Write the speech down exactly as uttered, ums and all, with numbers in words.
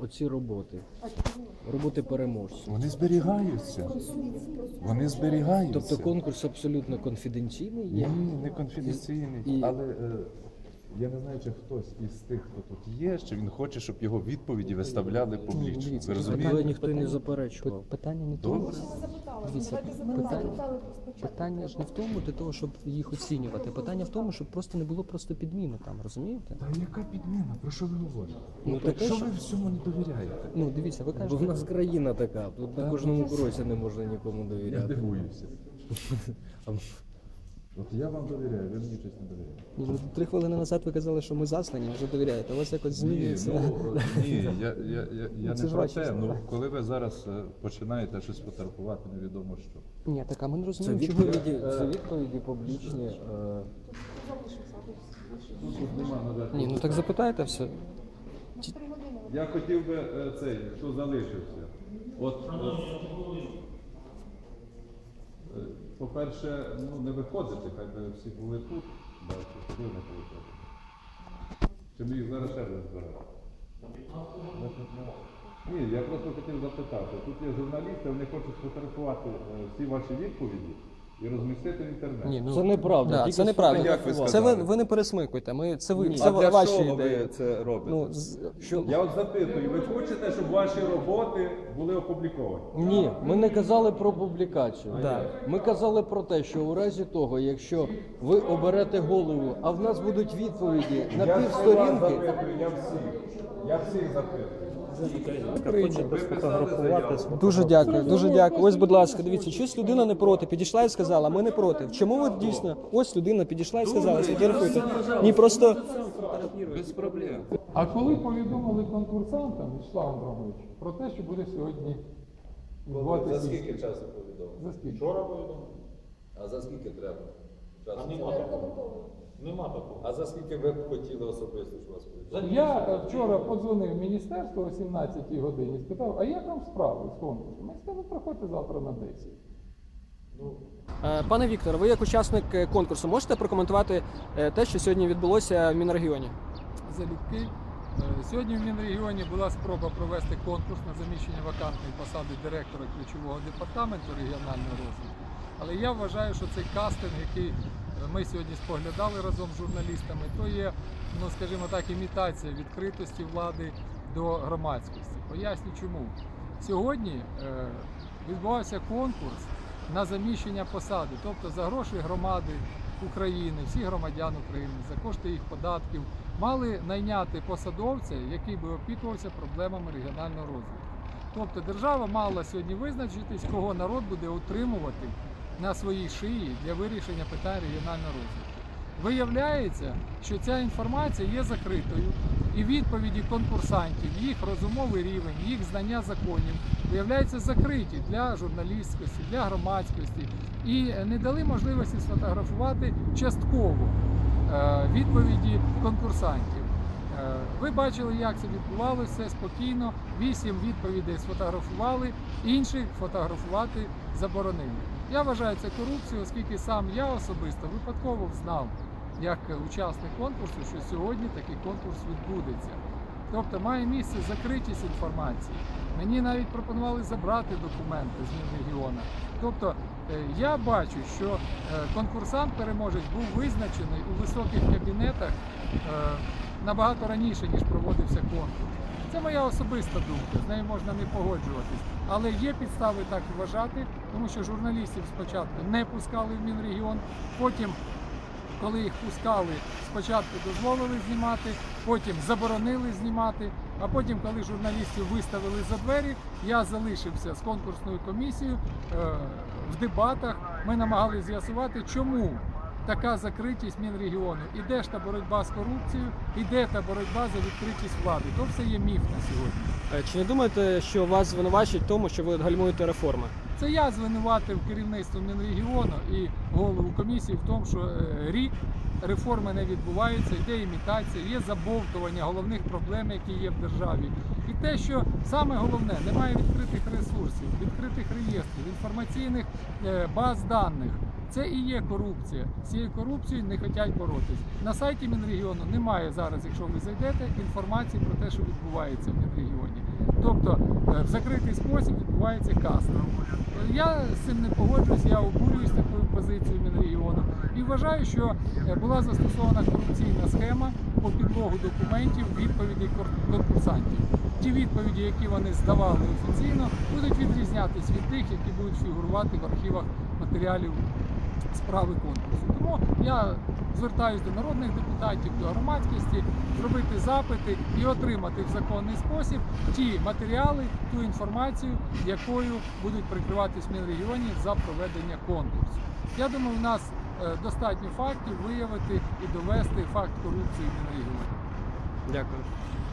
оці роботи, роботи переможців. Вони зберігаються. Вони зберігаються. Тобто конкурс абсолютно конфіденційний є? Ні, не конфіденційний, І... але е, я не знаю, чи хтось із тих, хто тут є, чи він хоче, щоб його відповіді виставляли публічно. Ви розумієте? Але ніхто не заперечував. Питання не в тому. Дивіться, питання, питання ж не в тому для того, щоб їх оцінювати. Питання в тому, щоб просто не було просто підміни там, розумієте? Та яка підміна? Про що ви говорите? Ну, так таке, що що- ви всьому не довіряєте? Ну, дивіться, ви Бо кажете, в нас країна така, тут на кожному кроці не можна нікому Я довіряти. дивуюся. От я вам довіряю, ви мені щось не довіряєте. ні, ну, три хвилини назад ви казали, що ми заслані, вже довіряєте. У вас якось Ні, змінюється. ну, ні, я, я, я, я це не ж про ваші те. слова. Ну, коли ви зараз е, починаєте щось фотографувати, невідомо що. Ні, так, а ми не Це розуміємо, чого... відповіді, це відповіді публічні. е, Тут нема надати. Ні, ну так запитайте все. Я хотів би е, цей, хто залишився. От, от, е, по-перше, ну, не виходити, хай би всі були тут. Бачу, ви не виходите. Чи ми їх зараз ще раз збирати? Ні, я просто хотів запитати. Тут є журналісти, вони хочуть сфотографувати е, всі ваші відповіді і розмістити в інтернеті. Ні, ну, Це неправда. Да, Тільки це неправда. як ви Це ви, сказали? ви не пересмикуйте. Ми, це ви, Ні. це А для ваші чого ідеї. ви це робите? Ну, з- Що? Я от запитую, ви хочете, щоб ваші роботи були опубліковані? Ні, ми не казали про публікацію. Да. Ми казали про те, що у разі того, якщо ви оберете голову, а в нас будуть відповіді на Я півсторінки. запитую, я всіх. Я всіх запитую. Хочемо сфотографуватися. Дуже дякую, дуже дякую. Ось, будь ласка, дивіться, щось людина не проти. Підійшла і сказала, ми не проти. Чому ви дійсно? Ось людина підійшла і сказала, сфотографуйте. Ні, просто Без проблем. А коли повідомили конкурсантам, Вячеслав Андронович, про те, що буде сьогодні відбуватися... За скільки часу повідомили? За скільки? Вчора повідомили. А за скільки треба? Часу? А нема такого. Нема такого. А за скільки ви б хотіли особисто, що вас повідомили? Я е, вчора подзвонив в міністерство о сімнадцятій годині, спитав, а як вам справи з конкурсом? Ми сказали, проходьте завтра на десять. Е, пане Віктор, ви як учасник е, конкурсу можете прокоментувати е, те, що сьогодні відбулося в Мінрегіоні? Залюбки. Е, Сьогодні в Мінрегіоні була спроба провести конкурс на заміщення вакантної посади директора ключового департаменту регіонального розвитку. Але я вважаю, що цей кастинг, який ми сьогодні споглядали разом з журналістами, то є, ну скажімо так, імітація відкритості влади до громадськості. Поясню чому. Сьогодні е, відбувався конкурс на заміщення посади, тобто за гроші громади України, всіх громадян України, за кошти їх податків, мали найняти посадовця, який би опікувався проблемами регіонального розвитку. Тобто держава мала сьогодні визначитись, кого народ буде утримувати на своїй шиї для вирішення питань регіонального розвитку. Виявляється, що ця інформація є закритою, і відповіді конкурсантів, їх розумовий рівень, їх знання законів виявляються закриті для журналістськості, для громадськості, і не дали можливості сфотографувати частково е, відповіді конкурсантів. Е, Ви бачили, як це відбувалося, все спокійно, вісім відповідей сфотографували, інших фотографувати заборонили. Я вважаю це корупцією, оскільки сам я особисто випадково знав, як учасник конкурсу, що сьогодні такий конкурс відбудеться. Тобто має місце закритість інформації. Мені навіть пропонували забрати документи з Мінрегіону. Тобто е, я бачу, що е, конкурсант-переможець був визначений у високих кабінетах е, набагато раніше, ніж проводився конкурс. Це моя особиста думка, з нею можна не погоджуватись. Але є підстави так вважати, тому що журналістів спочатку не пускали в Мінрегіон, потім, коли їх пускали, спочатку дозволили знімати, потім заборонили знімати, а потім, коли журналістів виставили за двері, я залишився з конкурсною комісією е, в дебатах. Ми намагалися з'ясувати, чому така закритість Мінрегіону. І де ж та боротьба з корупцією, і де та боротьба за відкритість влади. То все є міф на сьогодні. Е, Чи не думаєте, що вас звинувачують в тому, що ви гальмуєте реформи? Це я звинуватив керівництво Мінрегіону і голову комісії в тому, що е, рік реформи не відбуваються, йде імітація, є забовтування головних проблем, які є в державі. І те, що саме головне, немає відкритих ресурсів, відкритих реєстрів, інформаційних е, баз даних. Це і є корупція. З цією корупцією не хочуть боротись. На сайті Мінрегіону немає зараз, якщо ви зайдете, інформації про те, що відбувається в Мінрегіоні. Тобто е, в закритий спосіб відбувається кастинг. Я з цим не погоджуюсь, я обурююсь такою позицією Мінрегіону і вважаю, що е, була застосована корупційна схема по підлогу документів відповідей кор- конкурсантів. Ті відповіді, які вони здавали офіційно, будуть відрізнятися від тих, які будуть фігурувати в архівах матеріалів справи конкурсу. Тому я звертаюся до народних депутатів, до громадськості, зробити запити і отримати в законний спосіб ті матеріали, ту інформацію, якою будуть прикриватись в Мінрегіоні за проведення конкурсу. Я думаю, у нас е, достатньо фактів виявити і довести факт корупції в Мінрегіоні. Дякую.